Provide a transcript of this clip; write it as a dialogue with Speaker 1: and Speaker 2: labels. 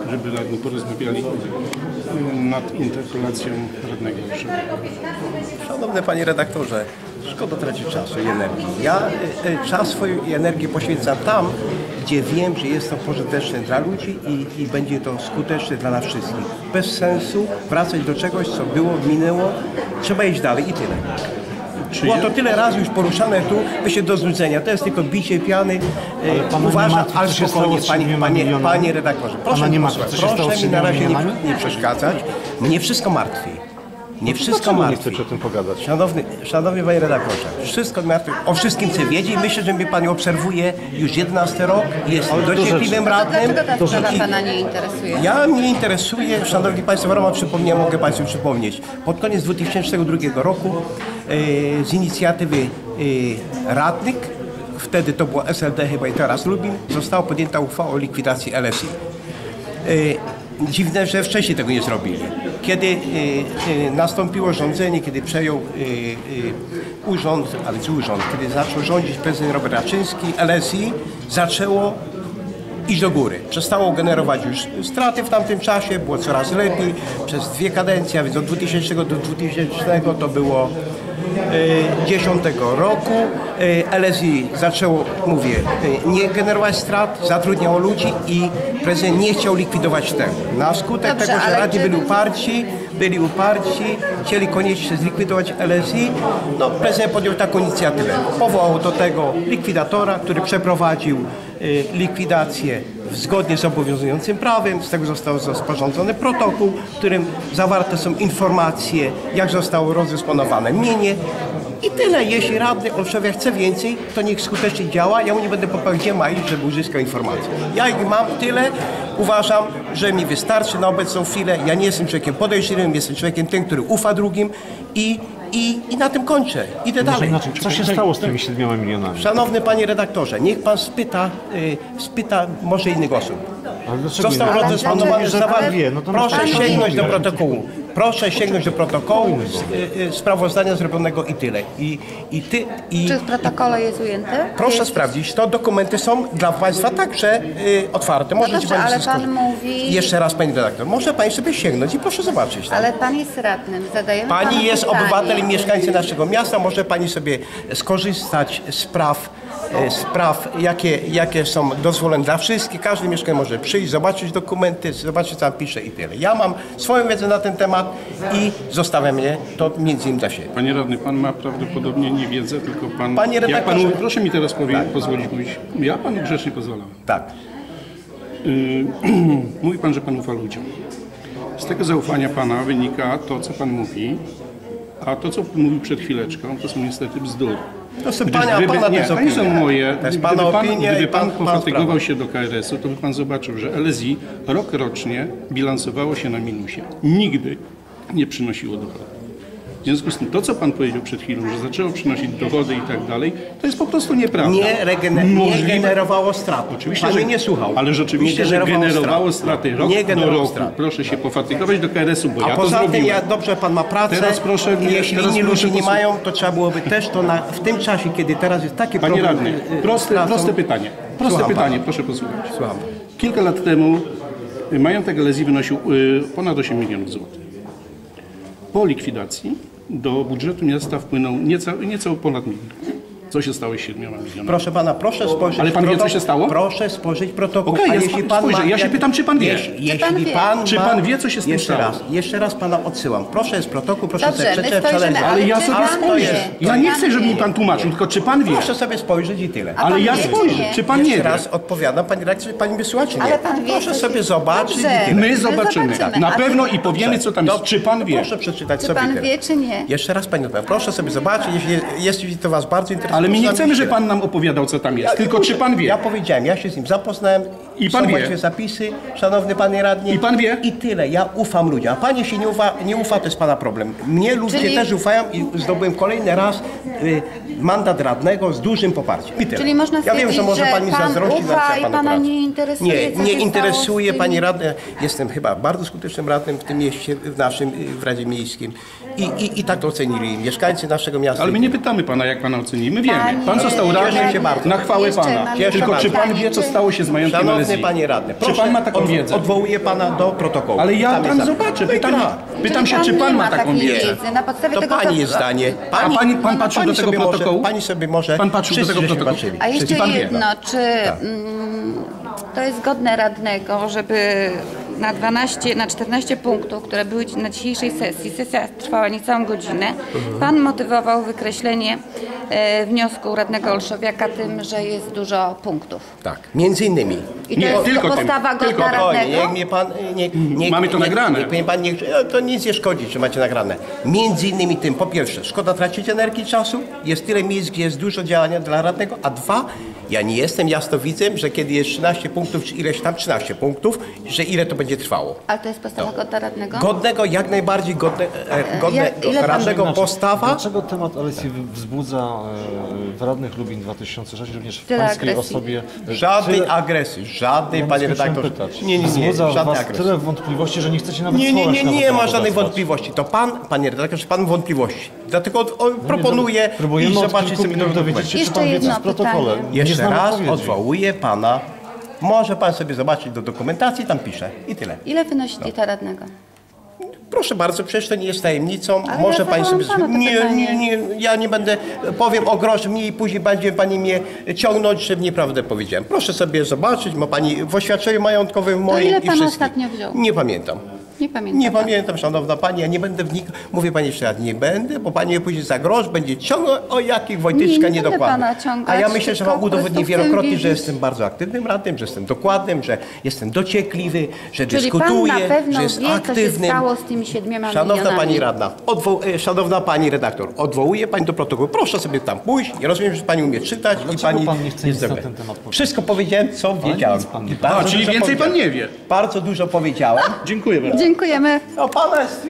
Speaker 1: żeby radni porozmawiali nad interpelacją radnego Olszewa.
Speaker 2: Szanowny panie redaktorze, szkoda tracić czasu i energii. Ja czas swojej i energii poświęcam tam, gdzie wiem, że jest to pożyteczne dla ludzi i będzie to skuteczne dla nas wszystkich. Bez sensu wracać do czegoś, co było, minęło. Trzeba iść dalej i tyle. Było to tyle razy już poruszane tu, myślę do znudzenia. To jest tylko bicie piany. Uważam, ale spokojnie, panie redaktorze. Proszę mi na razie nie przeszkadzać. Mnie wszystko martwi. Nie wszystko martwi.
Speaker 1: Nie chcecie o tym pogadać?
Speaker 2: Szanowny panie redaktorze, wszystko martwi. O wszystkim chcę wiedzieć. Myślę, że mnie pani obserwuje już 11 rok. Jest dociekliwym radnym.
Speaker 3: Dlaczego ta sprawa pana nie interesuje?
Speaker 2: Ja mnie interesuje, szanowni państwo, w ramach przypomnienia mogę państwu przypomnieć. Pod koniec 2002 roku z inicjatywy radnych, wtedy to było SLD chyba i teraz Lubin, została podjęta uchwała o likwidacji LSI. Dziwne, że wcześniej tego nie zrobili. Kiedy nastąpiło rządzenie, kiedy przejął urząd, kiedy zaczął rządzić prezydent Robert Raczyński, LSI zaczęło iść do góry. Przestało generować już straty w tamtym czasie, było coraz lepiej. Przez 2 kadencje, a więc od 2000 do 2000 to było 2010 roku. LSI zaczęło, mówię, nie generować strat, zatrudniało ludzi i prezydent nie chciał likwidować tego. Na skutek tego, że radni byli uparci, chcieli koniecznie zlikwidować LSI, no prezydent podjął taką inicjatywę. Powołał do tego likwidatora, który przeprowadził likwidację zgodnie z obowiązującym prawem. Z tego został sporządzony protokół, w którym zawarte są informacje, jak zostało rozdysponowane mienie. I tyle. Jeśli radny Olszewia chce więcej, to niech skutecznie działa. Ja mu nie będę popełniał, gdzie ma iść, żeby uzyskał informacje. Ja ich mam tyle. Uważam, że mi wystarczy na obecną chwilę. Ja nie jestem człowiekiem podejrzliwym, jestem człowiekiem tym, który ufa drugim i na tym kończę. Idę dalej.
Speaker 1: Co się stało z tymi 7 milionami?
Speaker 2: Szanowny panie redaktorze, niech pan spyta może innych osób. Został rozdysponowany Proszę sięgnąć do protokołu. Proszę sięgnąć do protokołu sprawozdania zrobionego i tyle.
Speaker 3: Czy w protokole jest ujęte?
Speaker 2: Proszę sprawdzić, to dokumenty są dla państwa także otwarte. Możecie
Speaker 3: dobrze, ale pan mówi...
Speaker 2: Jeszcze raz, pani redaktor, może pani sobie sięgnąć i proszę zobaczyć.
Speaker 3: Ale pan jest radnym, zadajemy panu
Speaker 2: Pani jest
Speaker 3: pytanie.
Speaker 2: obywatelem i mieszkańcem naszego miasta, może pani sobie skorzystać z spraw, jakie są dozwolone dla wszystkich. Każdy mieszkańc może przyjść, zobaczyć dokumenty, zobaczyć, co tam pisze i tyle. Ja mam swoją wiedzę na ten temat i zostawiam je to między innymi dla siebie.
Speaker 1: Panie radny, pan ma prawdopodobnie nie wiedzę, tylko pan...
Speaker 2: Panie redaktorze...
Speaker 1: proszę mi teraz pozwolić mówić. Ja panu grzecznie pozwalam.
Speaker 2: Tak.
Speaker 1: Mówi pan, że pan ufa ludziom. Z tego zaufania pana wynika to, co pan mówi, a to, co pan mówił przed chwileczką, to są niestety bzdury.
Speaker 2: To są pana
Speaker 1: nie są moje.
Speaker 2: To jest pana opinia.
Speaker 1: Gdyby pan pofatygował się do KRS-u, to by pan zobaczył, że LSI rok rocznie bilansowało się na minusie. Nigdy nie przynosiło dochodu. W związku z tym, to co pan powiedział przed chwilą, że zaczęło przynosić dochody i tak dalej, to jest po prostu nieprawda.
Speaker 2: Nie generowało strat.
Speaker 1: Oczywiście,
Speaker 2: pan
Speaker 1: że
Speaker 2: mnie nie słuchał.
Speaker 1: Ale rzeczywiście, że generowało straty rok do roku. Proszę się pofatygować do KRS-u, bo ja to zrobiłem.
Speaker 2: Poza tym, dobrze, pan ma pracę.
Speaker 1: Teraz proszę,
Speaker 2: jeśli inni ludzie nie mają, to trzeba byłoby też to w tym czasie, kiedy teraz jest taki
Speaker 1: Panie
Speaker 2: problem.
Speaker 1: radny, proste pytanie. Proszę posłuchać.
Speaker 2: Słucham.
Speaker 1: Kilka lat temu majątek LSI wynosił ponad 8 milionów złotych. Po likwidacji do budżetu miasta wpłynął nieco ponad milion. Co się stało z 7 milionami?
Speaker 2: Proszę pana, proszę spojrzeć.
Speaker 1: Ale pan wie, co się stało?
Speaker 2: Proszę spojrzeć protokół.
Speaker 1: Okej, ja się pytam, czy pan wie. Czy pan wie, co się z tym stało?
Speaker 2: Jeszcze raz pana odsyłam. Proszę jest protokół, proszę
Speaker 3: Dobrze,
Speaker 2: sobie
Speaker 3: my spojrzymy,
Speaker 1: ale ja sobie spojrzę. Ja nie chcę, żeby mi pan tłumaczył, tylko czy pan wie?
Speaker 2: Proszę sobie spojrzeć i tyle.
Speaker 1: Ale ja spojrzę, czy pan nie wie?
Speaker 2: Jeszcze raz odpowiadam, pani redaktor, pani mnie słucha, czy nie?
Speaker 3: Ale pan wie,
Speaker 2: proszę sobie zobaczyć i
Speaker 3: Dobrze.
Speaker 2: tyle.
Speaker 1: My zobaczymy. Na pewno i powiemy, co tam jest. Czy pan wie?
Speaker 2: Proszę przeczytać
Speaker 3: Czy
Speaker 2: sobie
Speaker 3: pan
Speaker 2: tyle.
Speaker 3: wie, czy nie?
Speaker 2: Jeszcze raz pani odpowiadam. Proszę sobie zobaczyć, jeśli to was bardzo interesuje.
Speaker 1: Ale my nie chcemy, żeby pan nam opowiadał, co tam jest. Tylko czy pan wie?
Speaker 2: Ja powiedziałem, ja się z nim zapoznałem.
Speaker 1: I pan
Speaker 2: są
Speaker 1: wie?
Speaker 2: właściwie zapisy, szanowny panie radny.
Speaker 1: I pan wie?
Speaker 2: I tyle. Ja ufam ludziom. A panie się nie ufa, to jest pana problem. Mnie ludzie też ufają i zdobyłem kolejny raz mandat radnego z dużym poparciem. I tyle.
Speaker 3: Czyli można
Speaker 2: ja wiem, że może pani
Speaker 3: pan
Speaker 2: zazdrości,
Speaker 3: ufa i pana nie interesuje, co
Speaker 2: nie
Speaker 3: się
Speaker 2: interesuje
Speaker 3: stało
Speaker 2: pani radny. Jestem chyba bardzo skutecznym radnym w tym mieście, w Radzie Miejskim. I tak to ocenili mieszkańcy naszego miasta.
Speaker 1: Ale my nie pytamy pana, jak pana oceni. My wiemy. Pan został radnym na chwałę pana. Tylko czy pan wie, co stało się z majątkiem LSI? Elezji.
Speaker 2: panie radny,
Speaker 1: Czy pan ma taką wiedzę?
Speaker 2: Odwołuję pana do protokołu.
Speaker 1: Ale ja
Speaker 2: Tam
Speaker 1: tam
Speaker 2: jest
Speaker 1: zobaczę,
Speaker 2: No i
Speaker 1: pytam,
Speaker 2: gra.
Speaker 1: pytam się, czy
Speaker 3: nie
Speaker 1: pan ma
Speaker 3: ma
Speaker 1: taką
Speaker 3: takiej
Speaker 1: wiedzę.
Speaker 3: wiedzy. Na podstawie
Speaker 2: To
Speaker 3: tego,
Speaker 2: pani
Speaker 3: co...
Speaker 2: jest zdanie.
Speaker 1: pan patrzył do tego
Speaker 2: sobie
Speaker 1: protokołu?
Speaker 2: Może, pani sobie może...
Speaker 1: Pan patrzył do
Speaker 2: wszyscy
Speaker 1: tego
Speaker 2: żeśmy
Speaker 1: protokołu?
Speaker 2: patrzyli.
Speaker 3: A jeszcze
Speaker 1: pan wie.
Speaker 3: jedno, czy to jest godne radnego, żeby na 14 punktów, które były na dzisiejszej sesji, sesja trwała niecałą godzinę, pan motywował wykreślenie wniosku radnego Olszowiaka tym, że jest dużo punktów.
Speaker 2: Tak, między innymi.
Speaker 3: I to
Speaker 1: Nie,
Speaker 3: jest
Speaker 1: tylko tym.
Speaker 3: postawa godna
Speaker 1: Tylko.
Speaker 2: Spokojnie,
Speaker 3: radnego?
Speaker 2: niech mnie pan...
Speaker 1: Mamy to nagrane.
Speaker 2: Niech pan to nic nie szkodzi, że macie nagrane. Między innymi tym, po pierwsze, szkoda tracić energii i czasu, jest tyle miejsc, gdzie jest dużo działania dla radnego, a dwa, ja nie jestem jasnowidzem, że kiedy jest 13 punktów, czy ileś tam 13 punktów, że ile to będzie trwało.
Speaker 3: Ale to jest postawa godna radnego?
Speaker 2: Godnego, jak najbardziej godne
Speaker 3: ile pan-
Speaker 2: radnego postawa.
Speaker 4: Dlaczego temat LSI wzbudza w radnych Lubin 2006, również w
Speaker 3: Tyle
Speaker 4: pańskiej
Speaker 3: agresji.
Speaker 4: osobie?
Speaker 2: Żadnej agresji, żadnej, panie redaktorze.
Speaker 4: Pytać.
Speaker 2: Nie,
Speaker 4: Wzbudza
Speaker 2: żadnej
Speaker 4: was
Speaker 2: agresji.
Speaker 4: tyle wątpliwości, że nie chcecie nawet
Speaker 2: Nie
Speaker 4: słowa się na ten
Speaker 2: ma
Speaker 4: temat
Speaker 2: żadnych
Speaker 4: odezwać.
Speaker 2: wątpliwości. To pan, panie redaktorze, pan wątpliwości. Dlatego proponuję
Speaker 4: Próbujemy
Speaker 2: iść
Speaker 4: od
Speaker 2: zobaczyć
Speaker 4: kilku
Speaker 2: sobie
Speaker 4: minut
Speaker 2: ten
Speaker 4: dowiedzieć się, czy
Speaker 3: Jeszcze
Speaker 4: pan wie, co
Speaker 3: jedno
Speaker 4: w protokole.
Speaker 3: pytanie.
Speaker 4: Nie
Speaker 2: Jeszcze
Speaker 4: znamy
Speaker 2: raz
Speaker 4: odpowiedzi.
Speaker 2: odwołuję pana. Może pan sobie zobaczyć do dokumentacji, tam pisze. I tyle.
Speaker 3: Ile wynosi dieta radnego?
Speaker 2: Proszę bardzo, przecież to nie jest tajemnicą.
Speaker 3: Ale
Speaker 2: Może
Speaker 3: ja
Speaker 2: pani sobie...
Speaker 3: zadałam panu to pytanie.
Speaker 2: Ja nie będę... Powiem o grosz mniej i później będzie pani mnie ciągnąć, że nieprawdę powiedziałem. Proszę sobie zobaczyć, ma pani w oświadczeniu majątkowym moim
Speaker 3: ile
Speaker 2: i
Speaker 3: pan
Speaker 2: wszystkim.
Speaker 3: ostatnio wziął?
Speaker 2: Nie pamiętam.
Speaker 3: Nie pamiętam.
Speaker 2: Nie pamiętam, szanowna pani, ja nie będę wnikał. Mówię pani jeszcze raz, nie będę, bo pani mnie później za grosz będzie ciągnął, o jakich Wojtyczka
Speaker 3: Nie będę
Speaker 2: niedokładnych.
Speaker 3: pana ciągać,
Speaker 2: A ja myślę, że
Speaker 3: tylko
Speaker 2: wam
Speaker 3: po
Speaker 2: udowodnię
Speaker 3: prostu chcę
Speaker 2: wielokrotnie, że
Speaker 3: wiedzieć.
Speaker 2: jestem bardzo aktywnym radnym, że jestem dokładnym, że jestem dociekliwy, że
Speaker 3: Czyli pan
Speaker 2: dyskutuję,
Speaker 3: na pewno
Speaker 2: że jest
Speaker 3: wie, co się
Speaker 2: aktywnym.
Speaker 3: stało z tymi 7
Speaker 2: Szanowna
Speaker 3: milionami.
Speaker 2: pani radna, szanowna pani redaktor, odwołuję pani do protokołu. Proszę sobie tam pójść. Ja rozumiem, że pani umie czytać i
Speaker 4: Dlaczego
Speaker 2: pani
Speaker 4: pan nie chce
Speaker 2: jest
Speaker 4: nic na
Speaker 2: dobra.
Speaker 4: ten temat powiedzieć?
Speaker 2: Wszystko powiedziałem, co wiedziałem.
Speaker 4: nic pan nie
Speaker 2: Bardzo
Speaker 1: A, czyli
Speaker 2: dużo
Speaker 1: więcej pan
Speaker 2: powiedziałem.
Speaker 1: nie wie.
Speaker 2: Bardzo dużo powiedziałem.
Speaker 1: Dziękuję bardzo.
Speaker 3: Dziękujemy.
Speaker 2: No pana jest